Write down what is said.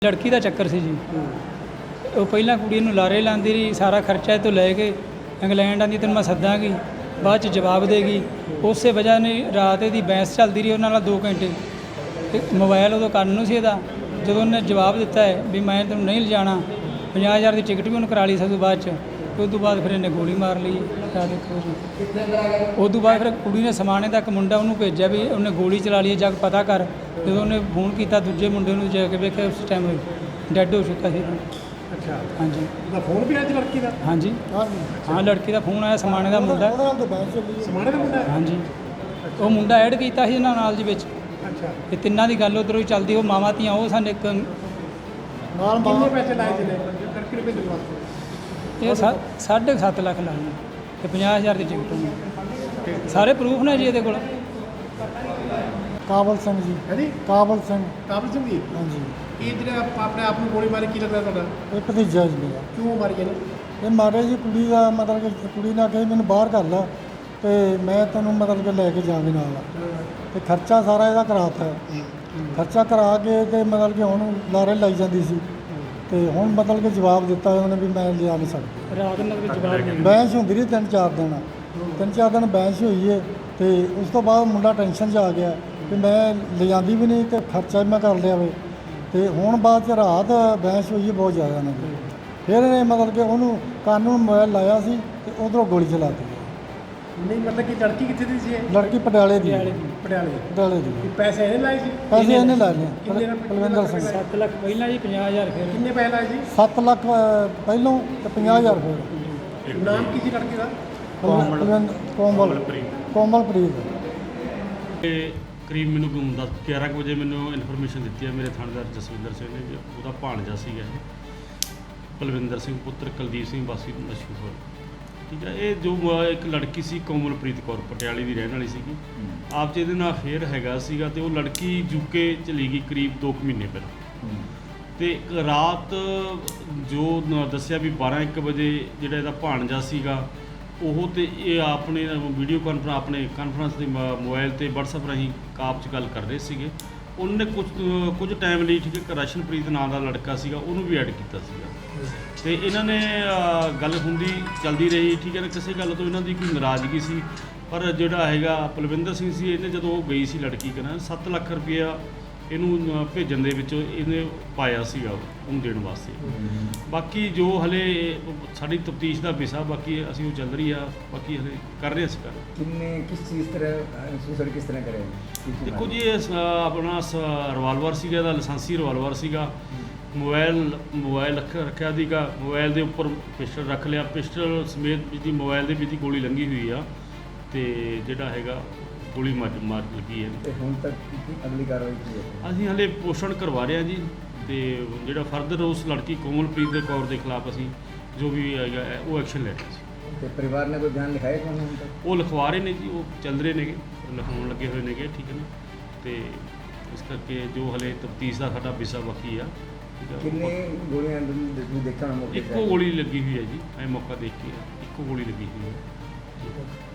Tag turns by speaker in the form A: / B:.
A: ਲੜਕੀ ਦਾ ਚੱਕਰ ਸੀ ਜੀ। ਉਹ ਪਹਿਲਾਂ ਕੁੜੀ ਨੂੰ ਲਾਰੇ ਲਾਉਂਦੀ ਰਹੀ, ਸਾਰਾ ਖਰਚਾ ਇਹ ਤੋਂ ਲੈ ਕੇ ਇੰਗਲੈਂਡ ਆਂਦੀ ਤੈਨੂੰ ਮੈਂ ਸੱਦਾਂਗੀ, ਬਾਅਦ 'ਚ ਜਵਾਬ ਦੇਗੀ। ਉਸੇ ਵਜ੍ਹਾ ਨੇ ਰਾਤ ਇਹਦੀ ਬਹਿਸ ਚੱਲਦੀ ਰਹੀ ਉਹਨਾਂ ਨਾਲ 2 ਘੰਟੇ। ਤੇ ਮੋਬਾਈਲ ਉਦੋਂ ਕੰਨ ਨੂੰ ਸੀ ਇਹਦਾ। ਜਦੋਂ ਉਹਨੇ ਜਵਾਬ ਦਿੱਤਾ ਹੈ ਵੀ ਮੈਂ ਤੈਨੂੰ ਨਹੀਂ ਲਿਜਾਣਾ, 50,000 ਦੀ ਟਿਕਟ ਵੀ ਉਹਨੂੰ ਕਰਾ ਲਈ ਸੀ। ਬਾਅਦ 'ਚ ਉਸ ਤੋਂ ਬਾਅਦ ਫਿਰ ਇਹਨੇ ਗੋਲੀ ਮਾਰ ਲਈ। ਦੇਖੋ ਜੀ, ਉਸ ਤੋਂ ਬਾਅਦ ਫਿਰ ਕੁੜੀ ਨੇ ਸਮਾਣੇ ਦਾ ਇੱਕ ਮੁੰਡਾ ਉਹਨੂੰ ਭੇਜਿਆ ਵੀ ਉਹਨੇ ਗੋਲੀ ਚਲਾ ਲਈ, ਜਾ ਕੇ ਪਤਾ ਕਰ। ਜਦੋਂ ਉਹਨੇ ਫੋਨ ਕੀਤਾ ਦੂਜੇ ਮੁੰਡੇ ਨੂੰ, ਜਾ ਕੇ ਵੇਖਿਆ ਉਸ ਟਾਈਮ ਡੈੱਡ ਹੋ ਚੁੱਕਾ ਸੀ।
B: ਅੱਛਾ,
A: ਹਾਂਜੀ।
B: ਉਹਦਾ ਫੋਨ ਵੀ ਅੱਜ ਲੜਕੀ ਦਾ?
A: ਹਾਂਜੀ ਹਾਂ, ਲੜਕੀ ਦਾ ਫੋਨ ਆਇਆ, ਸਮਾਣੇ ਦਾ ਮੁੰਡਾ।
B: ਸਮਾਣੇ ਦਾ ਮੁੰਡਾ?
A: ਹਾਂਜੀ, ਉਹ ਮੁੰਡਾ ਐਡ ਕੀਤਾ ਸੀ ਇਹਨਾਂ ਨਾਲ ਜੀ ਵਿੱਚ।
B: ਅੱਛਾ,
A: ਇਹ ਤਿੰਨਾਂ ਦੀ ਗੱਲ ਉੱਧਰੋਂ ਹੀ ਚੱਲਦੀ। ਉਹ ਮਾਵਾਂ ਧੀਆਂ ਉਹ ਸਨ। ਇੱਕ
B: ਨਾਲ ਕਿੰਨੇ ਪੈਸੇ ਲਾਏ ਜਿਹਨੇ ਲੜਕੀ ਨੂੰ ਭੇਜਣ ਵਾਸਤੇ?
A: ਇਹ 7.5 ਲੱਖ ਲਾਏ ਤੇ 50,000 ਦੀ ਟਿਕਟ ਹੋਣੀ। ਸਾਰੇ ਪ੍ਰੂਫ ਨੇ ਜੀ ਇਹਦੇ ਕੋਲ।
C: ਕਾਬਲ ਸਿੰਘ ਜੀ।
B: ਹੈ ਜੀ,
C: ਕਾਬਲ ਸਿੰਘ।
B: ਕਾਬਲ ਸਿੰਘ ਜੀ।
C: ਹਾਂਜੀ,
B: ਇਹ ਜਿਹੜਾ ਆਪਣੇ ਆਪ ਨੂੰ ਗੋਲੀ ਮਾਰੀ, ਕੀ ਲੱਗਦਾ ਤੁਹਾਡਾ?
C: ਇਹ ਭਤੀਜਾ ਜੀ ਮੇਰਾ।
B: ਕਿਉਂ ਮਾਰੀ ਇਹਨੂੰ?
C: ਇਹ ਮਾਰੇ ਜੀ ਕੁੜੀ ਦਾ, ਮਤਲਬ ਕਿ ਕੁੜੀ ਨੇ ਕਹੀ ਮੈਨੂੰ ਬਾਹਰ ਕਰ ਲਾ ਤੇ ਮੈਂ ਤੈਨੂੰ ਮਤਲਬ ਕਿ ਲੈ ਕੇ ਜਾਵਾਂਗੇ ਨਾਲ। ਤੇ ਖਰਚਾ ਸਾਰਾ ਇਹਦਾ ਕਰਾਤਾ ਹੈ। ਖਰਚਾ ਕਰਾ ਕੇ ਤੇ ਮਤਲਬ ਕਿ ਹੁਣ ਲਾਰੇ ਲਾਈ ਜਾਂਦੀ ਸੀ। ਤੇ ਹੁਣ ਮਤਲਬ ਕਿ ਜਵਾਬ ਦਿੱਤਾ ਉਹਨੇ ਵੀ ਮੈਂ ਲਿਆ ਨਹੀਂ ਸਕਦੀ।
A: ਰਾਤ ਨੂੰ ਵੀ ਜਵਾਬ ਦੇ
C: ਬਹਿਸ ਹੁੰਦੀ ਰਹੀ 3-4 ਦਿਨ। 3-4 ਦਿਨ ਬਹਿਸ ਹੋਈ ਹੈ। ਤੇ ਉਸ ਤੋਂ ਬਾਅਦ ਮੁੰਡਾ ਟੈਨਸ਼ਨ 'ਚ ਆ ਗਿਆ ਕਿ ਮੈਂ ਲਿਜਾਂਦੀ ਵੀ ਨਹੀਂ ਤੇ ਖਰਚਾ ਵੀ ਮੈਂ ਕਰ ਲਿਆ ਵੇ। ਤੇ ਹੁਣ ਬਾਅਦ 'ਚ ਰਾਤ ਬਹਿਸ ਹੋਈ ਹੈ ਬਹੁਤ ਜ਼ਿਆਦਾ ਇਹਨਾਂ ਦੀ। ਫਿਰ ਇਹਨੇ ਮਤਲਬ ਕਿ ਉਹਨੂੰ ਕੰਨ ਨੂੰ ਮੋਬਾਈਲ ਲਾਇਆ ਸੀ ਤੇ ਉਧਰੋਂ ਗੋਲੀ ਚਲਾ ਦਿੱਤੀ।
B: ਨਹੀਂ, ਮਤਲਬ ਕਿ ਲੜਕੀ ਕਿੱਥੇ ਦੀ ਸੀ ਇਹ?
C: ਲੜਕੀ ਪਟਿਆਲੇ ਦੀ।
B: ਪਟਿਆਲੇ
C: ਦੀ।
B: ਕੀ ਪੈਸੇ ਇਹਨੇ ਲਾਏ ਸੀ?
C: ਪੈਸੇ ਇਹਨੇ ਲਾ ਲਏ।
B: ਕਿੰਨੇ ਰੁਪਏ?
C: ਕੁਲਵਿੰਦਰ ਸਿੰਘ।
A: 7 ਲੱਖ ਪਹਿਲਾਂ ਜੀ, 50,000 ਫਿਰ।
B: ਕਿੰਨੇ ਪੈਸੇ ਲਾਏ ਸੀ?
C: 7 ਲੱਖ ਪਹਿਲੋਂ ਤੇ 50,000 ਫਿਰ।
B: ਨਾਮ ਕੀ ਸੀ ਲੜਕੀ ਦਾ?
C: ਕੋਮਲਪ੍ਰੀਤ।
D: ਇਹ ਕਰੀਬ ਮੈਨੂੰ 11 ਕੁ ਵਜੇ ਮੈਨੂੰ ਇਨਫੋਰਮੇਸ਼ਨ ਦਿੱਤੀ ਹੈ ਮੇਰੇ ਥਾਣੇਦਾਰ ਜਸਵਿੰਦਰ ਸਿੰਘ ਨੇ ਵੀ ਉਹਦਾ ਭਾਣਜਾ ਸੀਗਾ ਕੁਲਵਿੰਦਰ ਸਿੰਘ ਪੁੱਤਰ ਕੁਲਦੀਪ ਸਿੰਘ ਵਾਸੀ ਮਸ਼ਹੂਰ। ਠੀਕ ਹੈ, ਇਹ ਜੋ ਇੱਕ ਲੜਕੀ ਸੀ ਕੋਮਲਪ੍ਰੀਤ ਕੌਰ, ਪਟਿਆਲੇ ਦੀ ਰਹਿਣ ਵਾਲੀ ਸੀਗੀ। ਆਪ 'ਚ ਇਹਦੇ ਨਾਲ ਅਫੇਅਰ ਹੈਗਾ ਸੀਗਾ ਤੇ ਉਹ ਲੜਕੀ ਯੂਕੇ ਚਲੀ ਗਈ ਕਰੀਬ 2 ਮਹੀਨੇ ਪਹਿਲਾਂ। ਤੇ ਰਾਤ ਜੋ ਦੱਸਿਆ ਵੀ 12-1 ਵਜੇ ਜਿਹੜਾ ਇਹਦਾ ਭਾਣਜਾ ਸੀਗਾ ਉਹ ਤੇ ਇਹ ਆਪਣੇ ਵੀਡੀਓ ਆਪਣੇ ਕਾਨਫਰੰਸ ਦੇ ਮੋਬਾਈਲ ਤੇ WhatsApp ਰਾਹੀਂ ਕਾਪ 'ਚ ਗੱਲ ਕਰ ਰਹੇ ਸੀਗੇ। ਉਹਨੇ ਕੁਝ ਟਾਈਮ ਲਈ, ਠੀਕ ਹੈ, ਰਸ਼ਨਪ੍ਰੀਤ ਨਾਂ ਦਾ ਲੜਕਾ ਸੀਗਾ ਉਹਨੂੰ ਵੀ ਐਡ ਕੀਤਾ ਸੀਗਾ। ਤੇ ਇਹਨਾਂ ਨੇ ਗੱਲ ਹੁੰਦੀ ਚੱਲਦੀ ਰਹੀ, ਠੀਕ ਹੈ ਨਾ। ਕਿਸੇ ਗੱਲ ਤੋਂ ਇਹਨਾਂ ਦੀ ਕੋਈ ਨਾਰਾਜ਼ਗੀ ਸੀ, ਪਰ ਜਿਹੜਾ ਹੈਗਾ ਪਲਵਿੰਦਰ ਸਿੰਘ ਸੀ, ਇਹਨੇ ਜਦੋਂ ਉਹ ਗਈ ਸੀ ਲੜਕੀ ਕਹਿੰਦਾ 7 ਲੱਖ ਰੁਪਇਆ ਇਹਨੂੰ ਭੇਜਣ ਦੇ ਵਿੱਚ ਇਹਨੇ ਪਾਇਆ ਸੀਗਾ ਉਹਨੂੰ ਦੇਣ ਵਾਸਤੇ। ਬਾਕੀ ਜੋ ਹਲੇ ਸਾਡੀ ਤਫਤੀਸ਼ ਦਾ ਵਿਸ਼ਾ, ਬਾਕੀ ਅਸੀਂ ਉਹ ਚੱਲ ਰਹੀ ਆ, ਬਾਕੀ ਹਲੇ ਕਰ ਰਹੇ ਅਸੀਂ
E: किस चीज़ तरह सुसाइड किस तरह करें?
D: ਦੇਖੋ ਜੀ, ਇਹ ਆਪਣਾ ਰਿਵਾਲਵਰ ਸੀਗਾ, ਇਹਦਾ ਲਾਇਸੈਂਸੀ ਰਿਵਾਲਵਰ ਸੀਗਾ। ਮੋਬਾਈਲ ਰੱਖਿਆ ਸੀਗਾ, ਮੋਬਾਈਲ ਦੇ ਉੱਪਰ ਪਿਸਟਲ ਰੱਖ ਲਿਆ, ਪਿਸਟਲ ਸਮੇਤ ਜਿਹਦੀ ਮੋਬਾਈਲ ਦੇ ਵਿੱਚ ਦੀ ਗੋਲੀ ਲੰਘੀ ਹੋਈ ਆ ਤੇ ਜਿਹੜਾ ਹੈਗਾ ਗੋਲੀ ਮਾਰ ਲੱਗੀ ਹੈ।
E: ਹੁਣ ਤੱਕ ਅਗਲੀ ਕਾਰਵਾਈ ਕੀ ਹੈ?
D: ਅਸੀਂ ਹਲੇ ਪੋਸ਼ਣ ਕਰਵਾ ਰਹੇ ਹਾਂ ਜੀ। ਤੇ ਜਿਹੜਾ ਫਰਦਰ ਉਸ ਲੜਕੀ ਕੋਮਲਪ੍ਰੀਤ ਕੌਰ ਦੇ ਖਿਲਾਫ ਅਸੀਂ ਜੋ ਵੀ ਹੈਗਾ ਉਹ ਐਕਸ਼ਨ ਲੈ ਰਹੇ ਸੀ।
E: ਤੇ ਪਰਿਵਾਰ ਨੇ ਕੋਈ ਬਿਆਨ ਲਿਖਾਇਆ ਤੁਹਾਨੂੰ ਹੁਣ ਤੱਕ?
D: ਉਹ ਲਿਖਵਾ ਰਹੇ ਨੇ ਜੀ, ਉਹ ਚੱਲ ਰਹੇ ਨੇਗੇ, ਲਿਖਾਉਣ ਲੱਗੇ ਹੋਏ ਨੇਗੇ, ਠੀਕ ਹੈ ਨਾ। ਤੇ ਇਸ ਕਰਕੇ ਜੋ ਹਲੇ ਤਫਤੀਸ਼ ਦਾ ਸਾਡਾ ਵਿਸ਼ਾ ਬਾਕੀ ਆ।
E: ਕਿੰਨੇ ਗੋਲੀਆਂ ਦੇਖਣ ਨੂੰ?
D: ਇੱਕੋ ਗੋਲੀ ਲੱਗੀ ਹੋਈ ਹੈ ਜੀ, ਐ ਮੌਕਾ ਦੇਖ ਕੇ ਇੱਕੋ ਗੋਲੀ ਲੱਗੀ ਹੋਈ ਹੈ।